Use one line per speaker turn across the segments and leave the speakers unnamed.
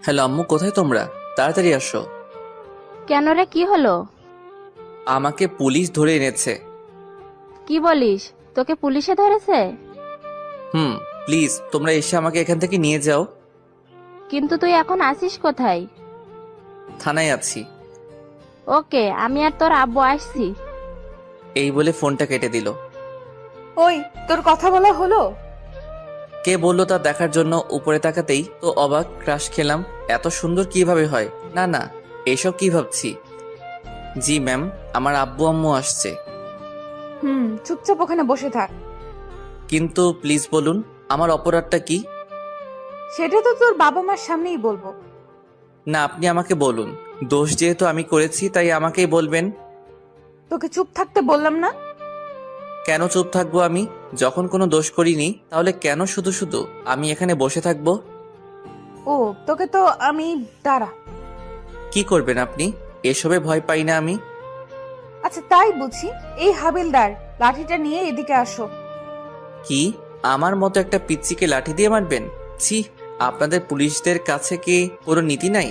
Hello আম্মু, কোথায় তোমরা? তাড়াতাড়ি আসো।
কেন রে, কি হলো?
আমাকে পুলিশ ধরে এনেছে।
কি বলিস? তোকে পুলিশে ধরেছে?
হুম। প্লিজ তোমরা এসে আমাকে এখান থেকে নিয়ে যাও।
কিন্তু তুই এখন আসিস কোথায়?
থানায় আছি।
ওকে, আমি আর তোর আব্বু আসছি।
এই বলে ফোনটা কেটে দিল।
ওই, তোর কথা বলা হলো?
কে বললো তা দেখার জন্য উপরে তাকাতেই তো অবাক, ক্রাশ খেলাম। এত সুন্দর কিভাবে হয়? না না, এসব কি ভাবছি। জি ম্যাম, আমার আব্বু আম্মু আসছে।
চুপচাপ ওখানে বসে থাক।
কিন্তু প্লিজ বলুন, আমার অপরাধটা কি?
সেটা তো তোর বাবা মার সামনেই বলবো।
না, আপনি আমাকে বলুন। দোষ যেহেতু আমি করেছি তাই আমাকেই বলবেন।
তোকে চুপ থাকতে বললাম না?
কেন চুপ থাকবো আমি? যখন কোনো দোষ করিনি তাহলে কেন শুধু শুধু আমি এখানে বসে থাকবো?
ও, তোকে তো আমি দাঁড়া।
কি করবেন আপনি? এসবে ভয় পাই না আমি।
আচ্ছা, তাই বুঝি। এই হাবিলদার, লাঠিটা নিয়ে এদিকে আসো।
কি? আমার মতো একটা পিচ্চিকে লাঠি দিয়ে মারবেন? ছি! আপনাদের পুলিশদের কাছে কি কোনো নীতি নাই?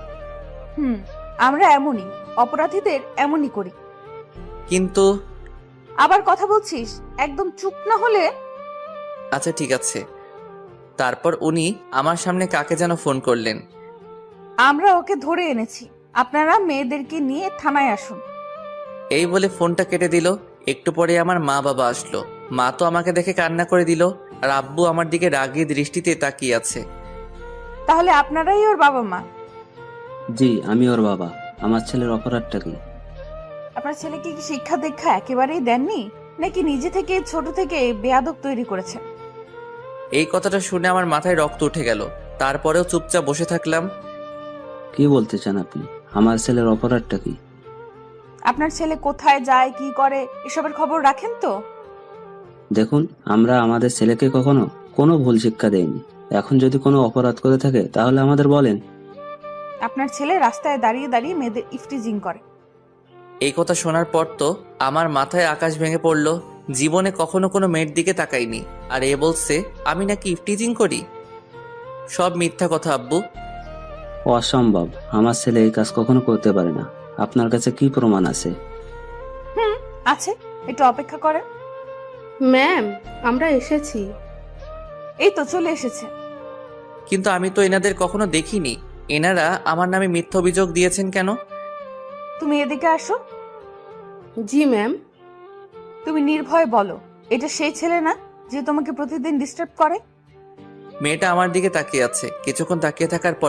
আমরা এমনই, অপরাধীদের এমনই করি।
কিন্তু
আবার কথা বলছিস? একদম চুপ না হলে।
আচ্ছা ঠিক আছে। তারপর উনি আমার সামনে কাকে যেন ফোন করলেন।
আমরা ওকে ধরে এনেছি, আপনারা মেয়েদেরকে নিয়ে থানায় আসুন।
এই বলে ফোনটা কেটে দিল। একটু পরে আমার মা বাবা আসলো। মা তো আমাকে দেখে কান্না করে দিল, আর আব্বু আমার দিকে রাগী দৃষ্টিতে তাকিয়ে আছে।
তাহলে আপনারাই ওর বাবা মা?
জি, আমি ওর বাবা। আমার ছেলের অপরাধটা কি?
আপনার ছেলেকে কি শিক্ষা দীক্ষা একেবারেই দেননি, নাকি নিজে থেকে ছোট থেকে বেয়াদব তৈরি করেছেন?
এই কথাটা শুনে আমার মাথায় রক্ত উঠে গেল। তারপরেও চুপচাপ বসে থাকলাম।
কি বলতে চান আপনি? আমার ছেলের অপরাধটা কি?
আপনার ছেলে কোথায় যায়, কি করে, এসবের খবর রাখেন তো?
দেখুন, আমরা আমাদের ছেলেকে কখনো কোনো ভুল শিক্ষা দেইনি। এখন যদি কোনো অপরাধ করে থাকে তাহলে আমাদের বলেন।
আপনার ছেলে রাস্তায় দাঁড়িয়ে দাঁড়িয়ে মেয়েদের ইফটিজিং করে।
এই কথা শোনার পর তো আমার মাথায় আকাশ ভেঙে পড়ল। জীবনে কখনো কোনো মেয়ের দিকে তাকাইনি, আর এ বলছে আমি নাকি ইফটিজিং করি। সব মিথ্যা কথা আব্বু।
অসম্ভব, আমার ছেলে এই কাজ কখনো করতে পারে না। আপনার কাছে কি প্রমাণ আছে?
আছে, একটু অপেক্ষা করেন।
ম্যাম, আমরা এসেছি।
এই তো চলে এসেছে।
কিন্তু আমি তো এনাদের কখনো দেখিনি। এনারা আমার নামে মিথ্যা অভিযোগ দিয়েছেন কেন?
তুমি এদিকে আসো।
জি ম্যাম।
তুমি নির্ভয়ে বলো, এটা সেই ছেলে না যে তোমাকে প্রতিদিন ডিস্টার্ব করে?
মেয়েটা আমার দিকে তাকিয়ে আছে। কিছুক্ষণ তাকিয়ে থাকার পর